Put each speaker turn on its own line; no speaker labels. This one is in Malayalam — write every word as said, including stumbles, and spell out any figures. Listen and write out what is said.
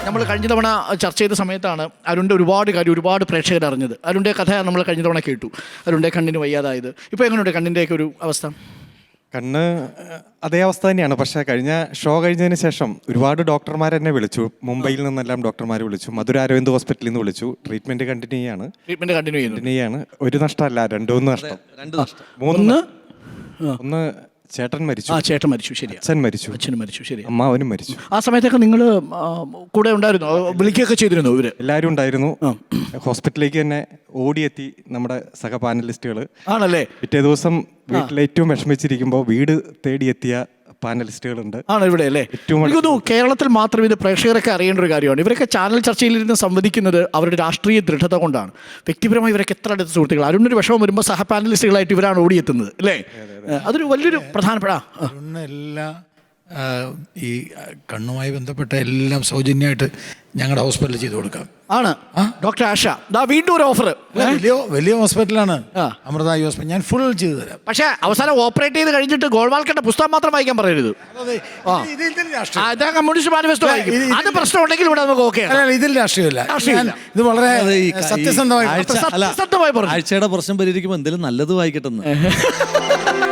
നമ്മൾ കഴിഞ്ഞ തവണ ചർച്ച ചെയ്ത സമയത്താണ് അരുണിൻ്റെ ഒരുപാട് കാര്യം ഒരുപാട് പ്രേക്ഷകർ അറിഞ്ഞത്. അരുണിൻ്റെ കഥ നമ്മൾ കഴിഞ്ഞ തവണ കേട്ടു. അരുണിൻ്റെ കണ്ണിന് വയ്യാതായത്. ഇപ്പോൾ എങ്ങനെയുണ്ട് കണ്ണിൻ്റെയൊക്കെ ഒരു അവസ്ഥ?
കണ്ണ് അതേ അവസ്ഥ തന്നെയാണ്. പക്ഷേ കഴിഞ്ഞ ഷോ കഴിഞ്ഞതിന് ശേഷം ഒരുപാട് ഡോക്ടർമാർ എന്നെ വിളിച്ചു. മുംബൈയിൽ നിന്നെല്ലാം ഡോക്ടർമാർ വിളിച്ചു. മധുര അരവിന്ദ് ഹോസ്പിറ്റലിൽ നിന്ന് വിളിച്ചു. ട്രീറ്റ്മെന്റ് കണ്ടിന്യൂ ചെയ്യാണ്.
ട്രീറ്റ്മെന്റ് കണ്ടിന്യൂ
കണ്ടിന്യൂ ചെയ്യാണ്. ഒരു നഷ്ടമല്ല, രണ്ടൂന്ന് നഷ്ടം.
മൂന്ന്
ഒന്ന് ചേട്ടൻ മരിച്ചു.
ആ ചേട്ടൻ മരിച്ചു, ശരി.
അച്ഛൻ മരിച്ചു.
അച്ഛനും മരിച്ചു, ശരി.
അമ്മാവനും മരിച്ചു.
ആ സമയത്തൊക്കെ നിങ്ങൾ കൂടെ ഉണ്ടായിരുന്നു, വിളിക്കുകയൊക്കെ ചെയ്തിരുന്നു ഇവര്?
എല്ലാവരും ഉണ്ടായിരുന്നു. ഹോസ്പിറ്റലിലേക്ക് തന്നെ ഓടിയെത്തി നമ്മുടെ സഹ പാനലിസ്റ്റുകൾ.
ആണല്ലേ?
പിറ്റേ ദിവസം വീട്ടിൽ ഏറ്റവും വിഷമിച്ചിരിക്കുമ്പോൾ വീട് തേടിയെത്തിയ പാനലിസ്റ്റുകളുണ്ട്.
ആണ് ഇവിടെ അല്ലേ? എനിക്കൊന്നു കേരളത്തിൽ മാത്രം ഇത് പ്രേക്ഷകരൊക്കെ അറിയേണ്ട ഒരു കാര്യമാണ്. ഇവരൊക്കെ ചാനൽ ചർച്ചയിലിരുന്ന് സംവദിക്കുന്നത് അവരുടെ രാഷ്ട്രീയ ദൃഢത കൊണ്ടാണ്. വ്യക്തിപരമായി ഇവരൊക്കെ എത്ര അടുത്ത സുഹൃത്തുക്കൾ. അരുണൊരു വിഷമം വരുമ്പോൾ സഹ പാനലിസ്റ്റുകളായിട്ട് ഇവരാണ് ഓടിയെത്തുന്നത് അല്ലേ? അതൊരു വലിയൊരു പ്രധാനപ്പെട്ട
എല്ലാ ഈ കണ്ണുമായി ബന്ധപ്പെട്ട എല്ലാം സൗജന്യമായിട്ട് ഞങ്ങളുടെ ഹോസ്പിറ്റലിൽ ചെയ്തു കൊടുക്കാം.
ആണ് ഡോക്ടർ ആഷ. ദാ വീണ്ടും ഒരു ഓഫർ.
വലിയ വലിയ ഹോസ്പിറ്റലാണ് അമൃത ഐ ഹോസ്പിറ്റൽ. ഞാൻ ഫുൾ ചെയ്തു തരാം. പക്ഷേ
അവസാനം ഓപ്പറേറ്റ് ചെയ്ത് കഴിഞ്ഞിട്ട് ഗോൾവാൾക്കറിന്റെ പുസ്തകം മാത്രം വായിക്കാൻ പറയരുത്. കമ്മ്യൂണിസ്റ്റ് മാനിഫെസ്റ്റോ അത് പ്രശ്നം ഉണ്ടെങ്കിൽ ഇവിടെ നമുക്ക് ഓക്കെ.
ഇതിൽ രാഷ്ട്രീയമില്ല. ഇത് വളരെ സത്യസന്ധമായി
സത്യസന്ധമായി പറഞ്ഞു.
ആഴ്ചയുടെ പ്രശ്നം പരിഹരിക്കുമ്പോൾ എന്തെങ്കിലും നല്ലത് വായിക്കട്ടെന്ന്.